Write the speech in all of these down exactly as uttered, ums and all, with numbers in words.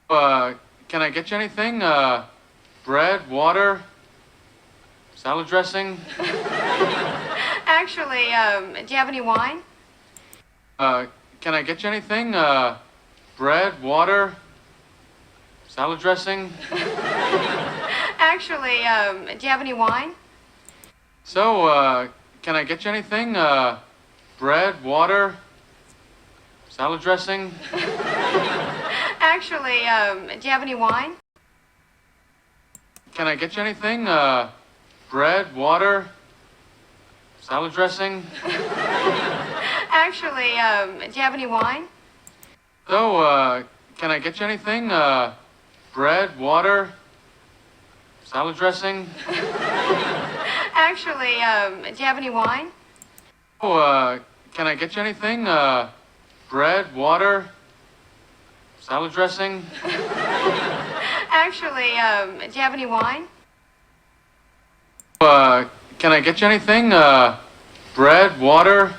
Uh, can I get you anything? Uh, bread, water, salad dressing? Actually, um, do you have any wine? Uh, can I get you anything? Uh, bread, water, salad dressing? Actually, um, do you have any wine? So, uh, can I get you anything? Uh, bread, water, salad dressing? Actually, um, do you have any wine? Can I get you anything? Uh, bread, water, salad dressing? Actually, um, do you have any wine? So, uh, can I get you anything? Uh, bread, water, salad dressing? Actually, um, do you have any wine? Oh, uh, can I get you anything? Uh, bread, water, salad dressing? Actually, um, do you have any wine? Uh, can I get you anything? Uh, bread, water,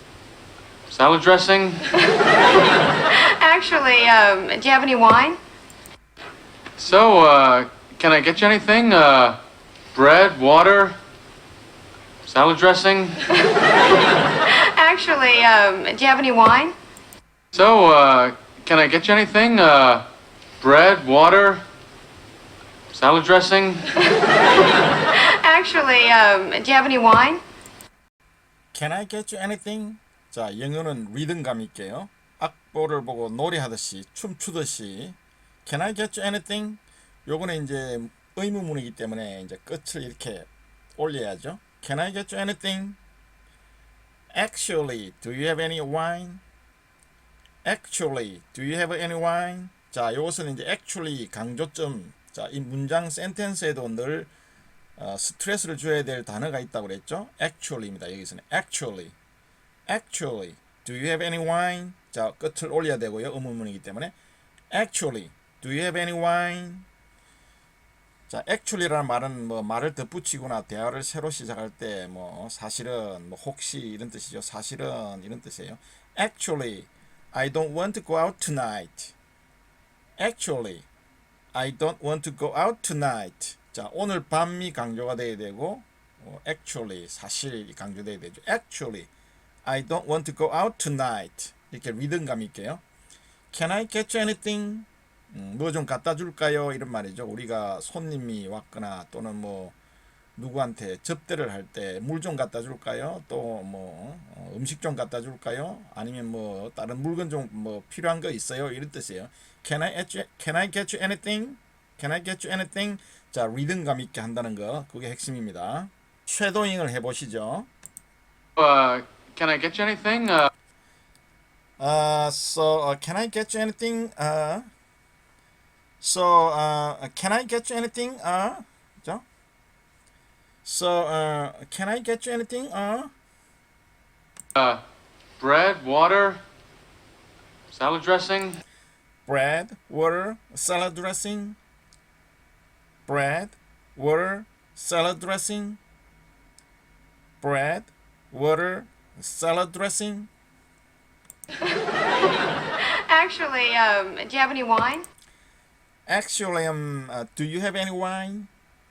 salad dressing? Actually, um, do you have any wine? So, uh, can I get you anything? Uh, bread, water, salad dressing? Actually, um, do you have any wine? So, uh, can I get you anything? Uh, bread, water, salad dressing? Actually, um, do you have any wine? Can I get you anything? 자, 영어는 리듬감 있게요. 악보를 보고 노래하듯이 춤추듯이 Can I get you anything? 요거는 이제 의문문이기 때문에 이제 끝을 이렇게 올려야죠. Can I get you anything? Actually, do you have any wine? Actually, do you have any wine? 자, 요것은 이제 actually 강조점. 자, 이 문장 센텐스에도 늘 어, 스트레스를 줘야 될 단어가 있다고 그랬죠. Actually입니다. 여기서는 actually. Actually, do you have any wine? 자, 끝을 올려야 되고요. 의문문이기 때문에 Actually, do you have any wine? 자, actually라는 말은 뭐 말을 덧붙이거나 대화를 새로 시작할 때 뭐 사실은 뭐 혹시 이런 뜻이죠. 사실은 이런 뜻이에요. Actually, I don't want to go out tonight. Actually, I don't want to go out tonight. 자, 오늘 밤이 강조가 돼야 되고 어, actually 사실 강조돼야 되죠. Actually, I don't want to go out tonight. 이렇게 리듬감 있게요. Can I get you anything? 음, 뭐 좀 갖다 줄까요? 이런 말이죠. 우리가 손님이 왔거나 또는 뭐 누구한테 접대를 할 때 물 좀 갖다 줄까요? 또 뭐 음식 좀 갖다 줄까요? 아니면 뭐 다른 물건 좀 뭐 필요한 거 있어요? 이런 뜻이에요. Can I get you, can I get you anything? Can I get you anything? 자, 리듬감 있게 한다는 거 그게 핵심입니다. 쉐도잉을 해보시죠. Uh, can I get you anything? Uh, Uh, so uh, can I get you anything? Uh, so uh, can I get you anything? Uh, 그죠? So uh, can I get you anything? Uh, uh, bread, water, salad dressing? bread, water, salad dressing. Bread, water, salad dressing. Bread, water, salad dressing. Actually, um, do you have any wine? Actually, um, uh, do you have any wine?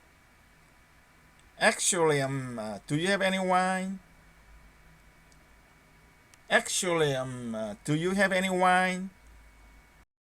Actually, um, uh, do you have any wine? Actually, um, uh, do you have any wine?